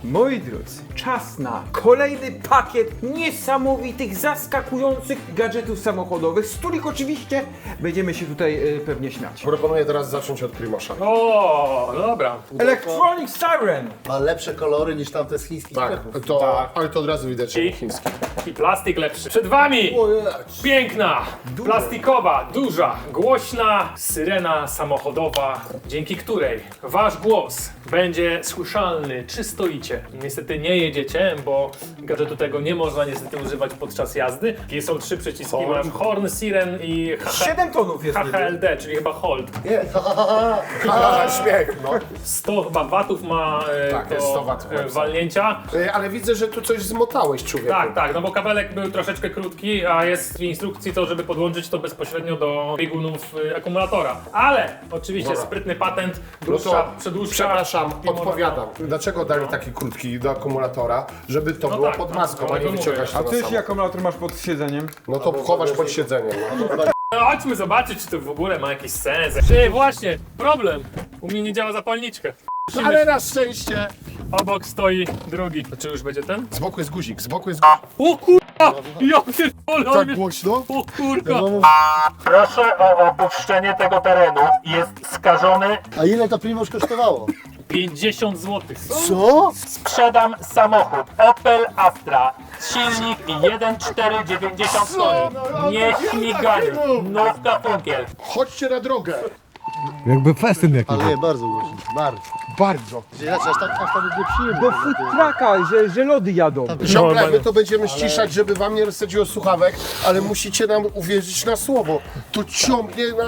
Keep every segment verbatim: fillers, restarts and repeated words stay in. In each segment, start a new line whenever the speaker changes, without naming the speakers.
Moi drodzy, czas na kolejny pakiet niesamowitych, zaskakujących gadżetów samochodowych, z których oczywiście będziemy się tutaj y, pewnie śmiać.
Proponuję teraz zacząć od Primosza.
O, dobra.
Electronic Siren!
Ma lepsze kolory niż tamte z chińskich
Tak,
sklepów.
to,
Tak.
ale to od razu widać, że
I,
chiński.
I plastik lepszy. Przed wami piękna, plastikowa, duża, głośna syrena samochodowa, dzięki której wasz głos będzie słyszalny, czy stoicie. Niestety nie jedziecie, bo gadżetu tego nie można niestety używać podczas jazdy. I są trzy przyciski,
Horn.
masz horn, siren i
siedem tonów jest
H
niby.
H L D, czyli chyba hold.
Nie, ha, ha, ha,
A, śmiech, no.
sto chyba watów ma e,
Tak,
to,
jest sto watów.
e, walnięcia.
E, Ale widzę, że tu coś zmotałeś, człowieku.
Tak, tak, no bo kabelek był troszeczkę krótki, a jest w instrukcji to, żeby podłączyć to bezpośrednio do biegunów y, akumulatora. Ale oczywiście
Dobra.
sprytny patent,
No
dłuższa,
to
przedłuższa.
przepraszam,
i można-
odpowiadam. Dlaczego dali taki krótki do akumulatora? Żeby to
No
było
tak,
pod
no,
maską,
no,
a nie
to mówię.
wyciągać to
A
na
ty jeśli
samochód.
akumulator masz pod siedzeniem?
No to chowasz pod siedzeniem. No.
No chodźmy zobaczyć, czy to w ogóle ma jakiś sens. Czy właśnie, problem. U mnie nie działa zapalniczka.
Ale na szczęście!
Obok stoi drugi. Czy już będzie ten?
Z boku jest guzik, z boku jest guzik.
O kurwa! Ja pierdolę! on
Tak
mnie-
głośno?
O kurka!
Proszę o opuszczenie tego terenu. Jest skażony.
A ile to Primoż kosztowało?
pięćdziesiąt złotych.
Co?
Sprzedam samochód Opel Astra. Silnik jeden przecinek cztery dziewięćdziesiąt koni. Nie śmigany. Nówka funkiel.
Chodźcie na drogę!
Jakby festyn jakiś.
Ale nie, bardzo głośno. Bardzo.
Bardzo.
Znaczy, aż tak, aż tak nie przyjemnie.
Do food trucka, że, że lody jadą.
Ciągle my to będziemy ściszać, żeby wam nie rozsadziło słuchawek, ale musicie nam uwierzyć na słowo. To ciągnie na...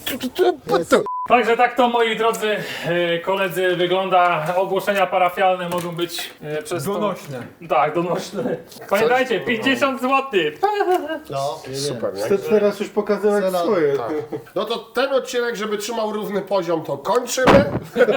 Także tak to, moi drodzy e, koledzy, wygląda. Ogłoszenia parafialne mogą być e, przez to...
Donośne.
Tak, donośne. Pamiętajcie, pięćdziesiąt złotych.
No, nie, nie.
Super, nie?
Chcę teraz już pokazywać
Cena-
swoje.
Tak. No to ten odcinek, żeby trzymał równy poziom, to kończymy.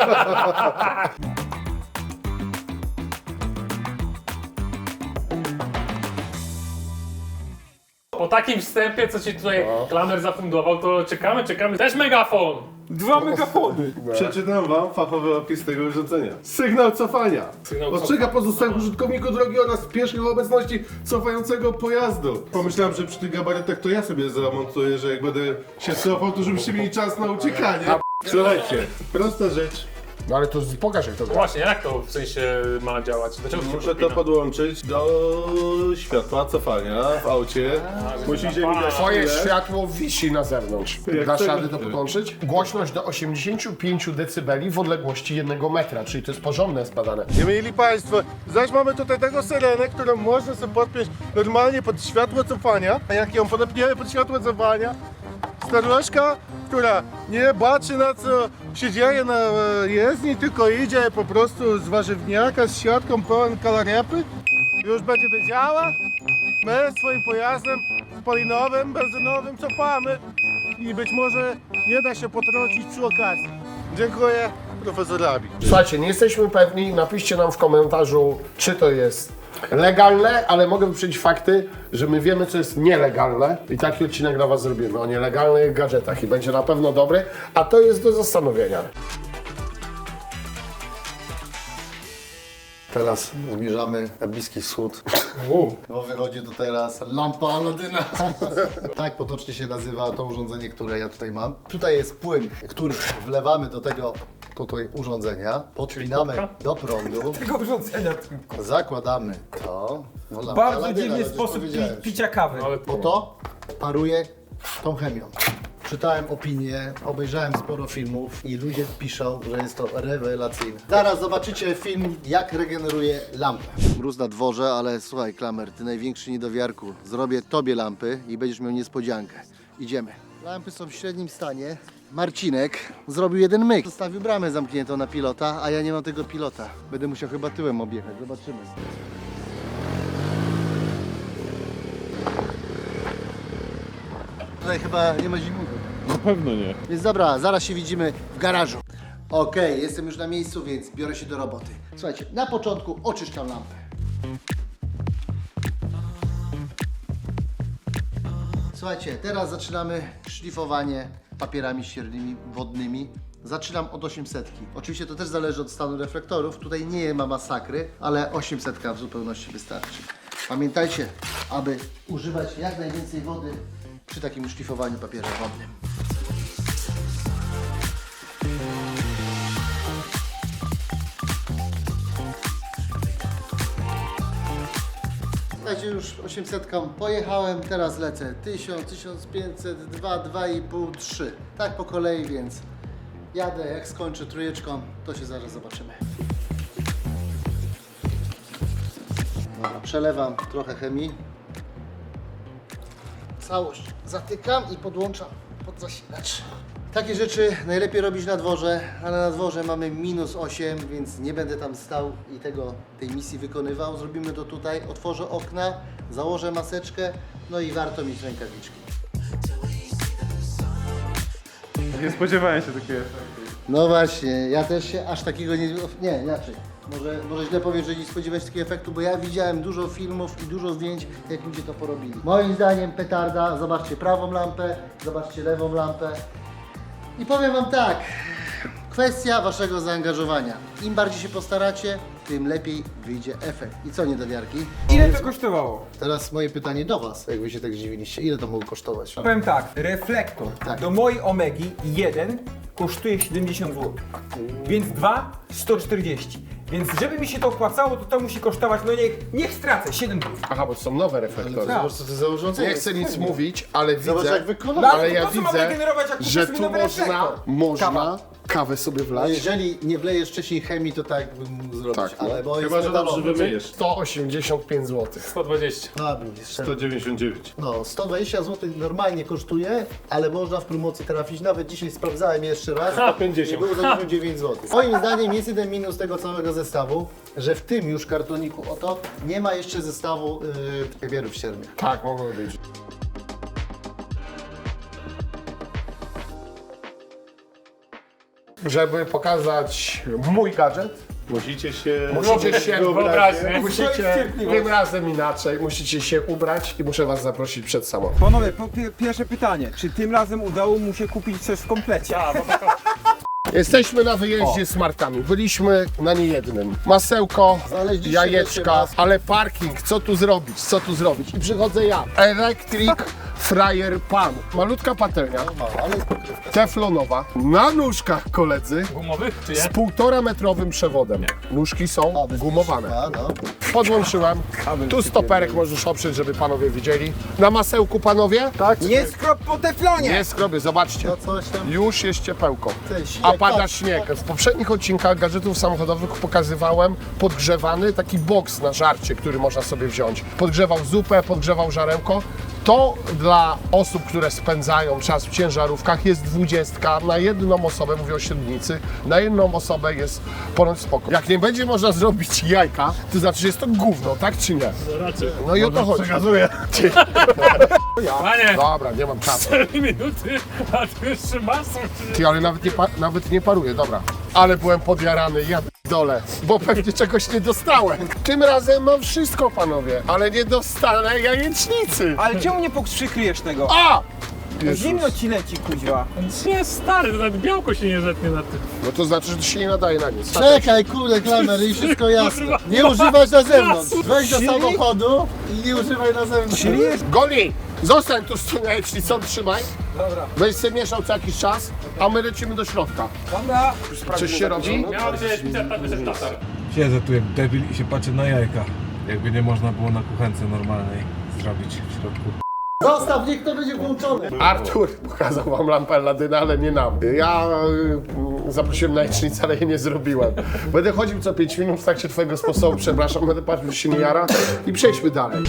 Po takim wstępie, co ci tutaj Klamer zafundował, to czekamy, czekamy. Też megafon!
Dwa megafony.
Przeczytam wam fachowy opis tego urządzenia. Sygnał cofania.
Sygnał
Ostrzega pozostałych użytkowników drogi oraz pieszych o obecności cofającego pojazdu. Pomyślałem, że przy tych gabarytach to ja sobie zamontuję, że jak będę się cofał, to żebyście mieli czas na uciekanie. Słuchajcie, prosta rzecz.
No ale to pokaż jak to gra.
Właśnie, jak to w sensie ma działać? Dlaczego to się
Muszę to
podpina?
podłączyć do światła cofania w aucie. Musicie mi dać
Twoje
chwilę.
światło wisi na zewnątrz.
Jak
Dasz
tego-
radę to podłączyć? Głośność do osiemdziesięciu pięciu decybeli w odległości jednego metra, czyli to jest porządne zbadane.
Nie mieli Państwo, zaś mamy tutaj taką syrenę, którą można sobie podpiąć normalnie pod światło cofania, a jak ją podepniemy pod światło cofania, staruszka, która nie patrzy na co się dzieje na e, jezdni, tylko idzie po prostu z warzywniaka z siatką pełen kalarypy, już będzie wiedziała, my swoim pojazdem spalinowym, benzynowym cofamy i być może nie da się potrącić przy okazji. Dziękuję profesorowi.
Słuchajcie, nie jesteśmy pewni, napiszcie nam w komentarzu, czy to jest legalne, ale mogę wyprzedzić fakty, że my wiemy, co jest nielegalne i taki odcinek dla was zrobimy o nielegalnych gadżetach i będzie na pewno dobry, a to jest do zastanowienia.
Teraz zmierzamy na Bliski Wschód. Bo wychodzi tu teraz lampa Aladyna. Tak potocznie się nazywa to urządzenie, które ja tutaj mam. Tutaj jest płyn, który wlewamy do tego tutaj urządzenia, podpinamy do prądu,
Tego urządzenia tylko.
zakładamy to. No, lampa
Bardzo
Aladyna,
dziwny
ale już
sposób pi
powiedziałem.
picia kawy.
Ale
Bo to paruje tą chemią. Czytałem opinie, obejrzałem sporo filmów i ludzie piszą, że jest to rewelacyjne. Zaraz zobaczycie film, jak regeneruje lampę. Mróz na dworze, ale słuchaj, Klamer, ty największy niedowiarku. Zrobię tobie lampy i będziesz miał niespodziankę. Idziemy. Lampy są w średnim stanie. Marcinek zrobił jeden myk. Zostawił bramę zamkniętą na pilota, a ja nie mam tego pilota. Będę musiał chyba tyłem objechać. Zobaczymy. Tutaj chyba nie ma zimnego.
Na pewno nie.
Więc dobra, zaraz się widzimy w garażu. Okej, jestem już na miejscu, więc biorę się do roboty. Słuchajcie, na początku oczyszczam lampę. Słuchajcie, teraz zaczynamy szlifowanie papierami ściernymi wodnymi. Zaczynam od osiemset. Oczywiście to też zależy od stanu reflektorów. Tutaj nie ma masakry, ale osiemset w zupełności wystarczy. Pamiętajcie, aby używać jak najwięcej wody przy takim szlifowaniu papierem wodnym. Słuchajcie, już osiemset pojechałem, teraz lecę tysiąc, tysiąc pięćset, dwa, dwa i pół, trzy. Tak po kolei, więc jadę, jak skończę trójeczką, to się zaraz zobaczymy. Dobra, przelewam trochę chemii. Całość zatykam i podłączam pod zasilacz. Takie rzeczy najlepiej robić na dworze, ale na dworze mamy minus osiem, więc nie będę tam stał i tego, tej misji wykonywał. Zrobimy to tutaj, otworzę okna, założę maseczkę, no i warto mieć rękawiczki.
Nie spodziewałem się takiego.
No właśnie, ja też się aż takiego nie... Nie, inaczej. Może, może źle powiem, że nie spodziewać się takiego efektu, bo ja widziałem dużo filmów i dużo zdjęć, jak ludzie to porobili. Moim zdaniem petarda, zobaczcie prawą lampę, zobaczcie lewą lampę. I powiem wam tak, kwestia waszego zaangażowania. Im bardziej się postaracie, tym lepiej wyjdzie efekt. I co, niedowiarki?
Ile to kosztowało?
Teraz moje pytanie do was, jak wy się tak zdziwiliście. Ile to mogło kosztować?
Powiem tak, reflektor
Tak.
do mojej Omegi jeden kosztuje siedemdziesiąt złotych, więc dwa sto czterdzieści. Więc żeby mi się to opłacało, to to musi kosztować, no niech, niech stracę, siedem złotych.
Aha, bo to są nowe reflektory.
Zobacz, co to za urządzenie.
Nie chcę nic mówić, ale
Zobacz,
widzę,
jak wykonane.
No,
ale
ale
ja
po co mam
widzę,
regenerować, jak kupię
że
sobie
tu
nowy
można,
reflektor?
można
Kawa.
kawę sobie
A
wlać.
jeżeli nie wlejesz wcześniej chemii, to tak bym mógł zrobić,
Tak, no.
ale bo
Chyba,
jest
że dobrze
metalowy.
wymyjesz.
sto osiemdziesiąt pięć złotych.
sto dwadzieścia.
No, widzisz,
sto dziewięćdziesiąt dziewięć.
no, sto dwadzieścia złotych normalnie kosztuje, ale można w promocji trafić. Nawet dzisiaj sprawdzałem jeszcze raz.
sto pięćdziesiąt.
I było za dziewięćdziesiąt dziewięć złotych. Moim zdaniem jest jeden minus tego całego zestawu, że w tym już kartoniku oto nie ma jeszcze zestawu yy, papierów ściernych.
Tak, mogło być. Żeby pokazać mój gadżet,
Musicie się...
musicie się
Wyobraźnię.
musicie tym razem inaczej, musicie się ubrać i muszę was zaprosić przed samochód.
Panowie, po, pi- pierwsze pytanie, czy tym razem udało mu się kupić coś w komplecie?
Jesteśmy na wyjeździe z Martami. Byliśmy na niejednym. Masełko,
Znaleźliście
jajeczka,
wreszcie was.
ale parking, co tu zrobić, co tu zrobić? I przychodzę ja, Electric Fryer Pan. Malutka patelnia,
Ale jest pokrywka.
teflonowa, na nóżkach koledzy,
Gumowych czy
z
nie?
półtora metrowym przewodem. Nóżki są
A, bez
gumowane.
A, no.
Podłączyłem. Tu stoperek możesz oprzeć, żeby panowie widzieli. Na masełku panowie? Tak.
Nie skrop po teflonie!
Nie skrobię, zobaczcie.
To coś tam.
Już jest ciepełko.
Ty, śnieg,
A pada
tak.
śnieg. W poprzednich odcinkach gadżetów samochodowych pokazywałem podgrzewany taki boks na żarcie, który można sobie wziąć. Podgrzewał zupę, podgrzewał żarełko. To dla osób, które spędzają czas w ciężarówkach jest dwudziestka na jedną osobę, mówię o średnicy, na jedną osobę jest ponoć spoko. Jak nie będzie można zrobić jajka, to znaczy, że jest to gówno, tak czy nie?
Raczej.
No i o to chodzi.
Przekazuję.
Panie,
Dobra, nie mam czasu.
cztery minuty, a tu jeszcze masą.
Ty, ale nawet nie, pa- nawet nie paruje, dobra. Ale byłem podjarany, ja dole, bo pewnie czegoś nie dostałem. Tym razem mam wszystko, panowie, ale nie dostanę jajecznicy.
Ale czemu nie przykryjesz tego?
A!
Zimno ci leci, kuźwa.
Nie, stary, to nawet białko się nie zetnie na tym.
No to znaczy, że to się nie nadaje na nic.
Czekaj, kurde, klamer i wszystko jasne. Nie używaj na zewnątrz. Wejdź do samochodu i nie używaj na zewnątrz.
Czyli jest...
Goli, zostań tu z tą jajecznicą, trzymaj.
Dobra.
Będziesz sobie mieszał co jakiś czas, a my lecimy do środka.
Dobra.
Coś się robi?
Miał być tak wyszedł tatar.
Siedzę tu jak debil i się patrzę na jajka. Jakby nie można było na kuchence normalnej zrobić w środku.
Zostaw, niech to będzie włączone.
Artur pokazał wam lampę Aladyna, ale nie nam. Ja y, zaprosiłem na jajecznicę, ale jej nie zrobiłem. Będę chodził co pięć minut w trakcie twojego sposobu, przepraszam, będę patrzył, że się nie jara i przejdźmy dalej.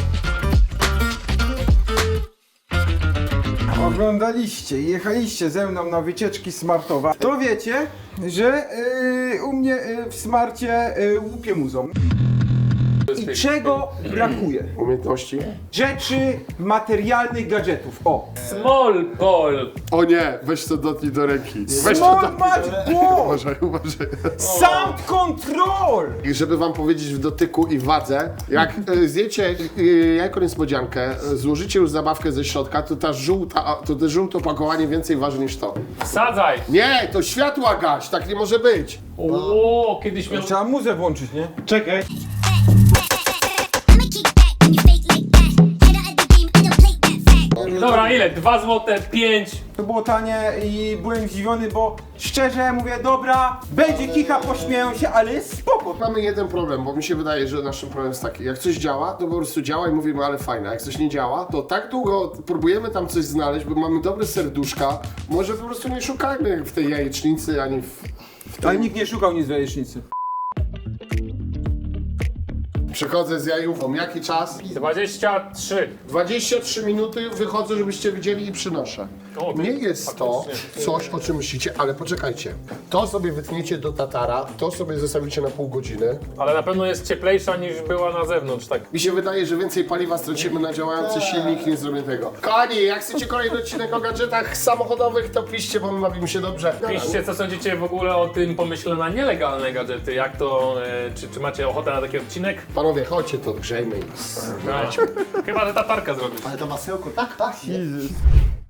Oglądaliście i jechaliście ze mną na wycieczki smartowe, to wiecie, że yy, u mnie yy, w smarcie yy, łupie muzą. I czego brakuje?
Umiejętności?
Rzeczy materialnych gadżetów. O!
Small ball.
O nie, weź to dotknij do ręki. Weź to
Small
dotknij.
Match Ball!
Uważaj, uważaj.
Sound Control!
I żeby wam powiedzieć w dotyku i wadze, jak e, zjecie e, jajko niespodziankę, e, złożycie już zabawkę ze środka, to ta żółta, to te żółte opakowanie więcej waży niż to.
Wsadzaj.
Nie, to światła gaś, tak nie może być.
O, kiedyś miał...
Trzeba muzę włączyć, nie? Czekaj.
I'ma kick back when you fake like that. Head out of the game, I don't play that fact.
Dobra, ile? Dwa złote, pięć.
To było tanie i byłem zdziwiony, bo szczerze mówię, dobra, będzie kicha, pośmieją się, ale jest spoko.
Mamy jeden problem, bo mi się wydaje, że naszym problemem jest taki, jak coś działa, to po prostu działa i mówimy, ale fajne, jak coś nie działa, to tak długo próbujemy tam coś znaleźć, bo mamy dobre serduszka, może po prostu nie szukajmy w tej jajecznicy, ani w...
Ale nikt nie szukał nic w jajecznicy.
Przechodzę z jajówką, jaki czas?
dwadzieścia trzy.
dwadzieścia trzy minuty, wychodzę, żebyście widzieli i przynoszę.
O, ty-
Nie jest to coś, o czym myślicie, ale poczekajcie. To sobie wytniecie do tatara, to sobie zostawicie na pół godziny.
Ale na pewno jest cieplejsza niż była na zewnątrz, tak.
Mi się wydaje, że więcej paliwa stracimy na działający silnik, nie zrobię tego. Kochani, jak chcecie kolejny odcinek o gadżetach samochodowych, to piszcie, bo my bawimy się dobrze.
Piszcie, co sądzicie w ogóle o tym pomyśle na nielegalne gadżety. Jak to, e, czy, czy macie ochotę na taki odcinek?
Panowie, chodźcie to, grzejmy.
No, chyba, że tatarka zrobi.
Ale to masełko tak pachnie.